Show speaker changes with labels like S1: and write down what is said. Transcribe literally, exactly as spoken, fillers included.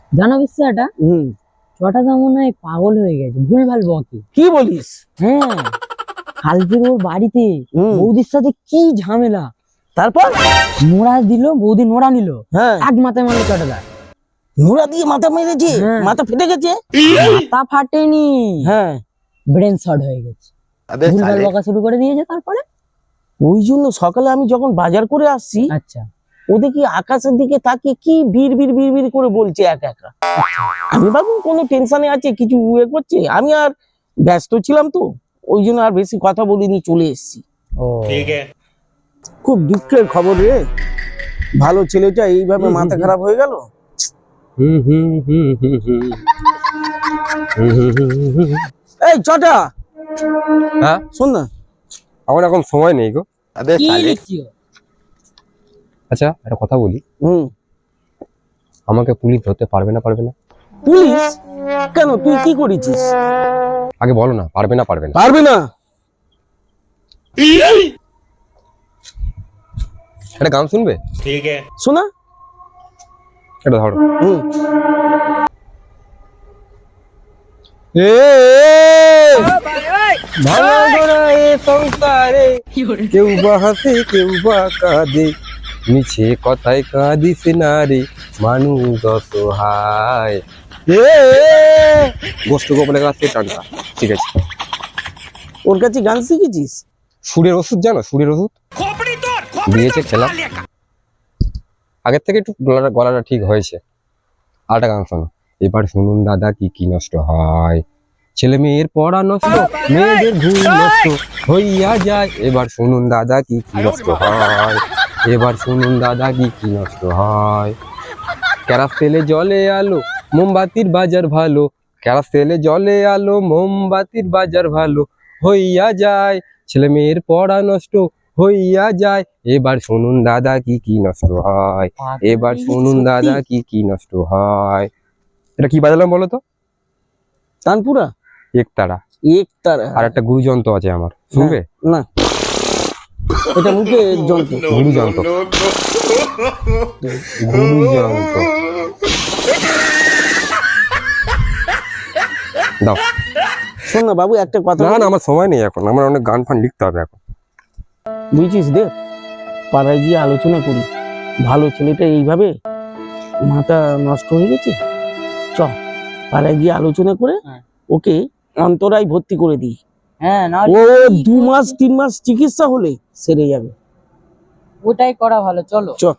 S1: জানো বিশ্বাটা
S2: হুম
S1: ছটা তো মনে হয় পাগল হয়ে গেছে, ভুলভাল বকে।
S2: কি বলিস?
S1: হ্যাঁ, কালকে ওর বাড়িতে
S2: হুম।
S1: বৌদির সাথে কি ঝামেলা।
S2: তারপর?
S1: নোড়া দিল, বৌদি নোড়া নিল,
S2: হ্যাঁ,
S1: এক মাথায় মারলো চটাদা।
S2: নোড়া দিয়ে মাথা মেরেছে?
S1: হ্যাঁ।
S2: মাথা ফেটে গেছে?
S1: মাথা ফাটেনি,
S2: হ্যাঁ।
S1: ব্রেন শর্ট হয়ে গেছে। ভুলভাল বকা শুরু করে দিয়েছে তারপরে।
S2: ওই জন্য সকালে আমি যখন বাজার করে আসছি,
S1: আচ্ছা,
S2: ও দেখি আকাশের দিকে তাকিয়ে কি বিড় বিড় বিড় বিড় করে বলছে একা একা। আমি ভাবুন কোনো টেনশনে আছে, কিছু ইয়ে করছে। আমি আর ব্যস্ত ছিলাম তো, ওই জন্য আর বেশি কথা বলিনি, চলে এসেছি।
S1: ও
S2: খুব দুঃখের খবর রে, ভালো ছেলেটা এইভাবে মাথা খারাপ হয়ে গেল। এই চটা,
S3: হ্যাঁ,
S2: শোন না।
S3: আমার এখন সময় নেই গো।
S1: কি লিখছিও?
S3: আচ্ছা, একটা কথা বলি,
S2: হুম।
S3: আমাকে পুলিশ ধরতে পারবে না? পারবে না?
S2: পুলিশ? কেন, তুই কি করেছিস?
S3: আগে বলো না, পারবে না? পারবে না?
S2: পারবে না?
S3: একটা গান শুনবে?
S2: শোনা।
S3: এটা ধরো।
S2: হুম।
S3: এ ভাঙা গড়া এ সংসারে কেউ বা হাসে কেউ বা কাঁদে, মিছে কথায় কাঁদিস না রে মানুষ অসহায়। এ গোষ্ঠ গোপালের কাছে টানটা, ঠিক আছে?
S2: ওর কাছে গান শিখেছিস?
S3: সুরের ওষুধ জানো? সুরের ওষুধ দিয়েছে, খেলাম। আগের থেকে একটু গলাটা গলাটা ঠিক হয়েছে। আরেকটা গান শোনো। এবার শুনুন দাদা কি কি নষ্ট হয়, ছেলে মেয়ের পড়া নষ্ট, মেয়েদের ঘুম নষ্ট হইয়া যায়। এবার শুনুন দাদা কি কি নষ্ট হয়, এবার শুনুন দাদা কি কি নষ্ট হয়। কেরাস তেলে জলে আলো, মোমবাতির বাজার ভালো, কেরাস তেলে জলে আলো, মোমবাতির বাজার ভালো হইয়া যায়। ছেলে মেয়ের পড়া নষ্ট হইয়া যায়। এবার শুনুন দাদা কি কি নষ্ট হয়, এবার শুনুন দাদা কি কি নষ্ট হয়। এটা কি বাজালাম বলো তো?
S2: তানপুরা?
S3: একতারা।
S2: একতারা?
S3: আর একটা গুরুযন্ত্র আছে আমার, শুনবে?
S2: না, এটা মুখে যন্ত্র।
S3: গুরুযন্ত্র, গুরুযন্ত্র দাও।
S2: শোন না বাবু, একটা কথা
S3: না
S2: বলি।
S3: না, আমার সময় নেই এখন, আমার অনেক গান ফান লিখতে হবে এখন।
S2: বুঝছিস, দেখ পাড়ায় গিয়ে আলোচনা করি। ভালো ছেলেটা এইভাবে মাথা নষ্ট হয়ে গেছে, চ পাড়ায় গিয়ে আলোচনা করে
S1: হ্যাঁ।
S2: ওকে অন্তরায় ভর্তি করে দিই।
S1: হ্যাঁ, না
S2: ও দু মাস তিন মাস চিকিৎসা হলে সেরে যাবে।
S1: ওটাই করা ভালো, চলো।
S2: চ।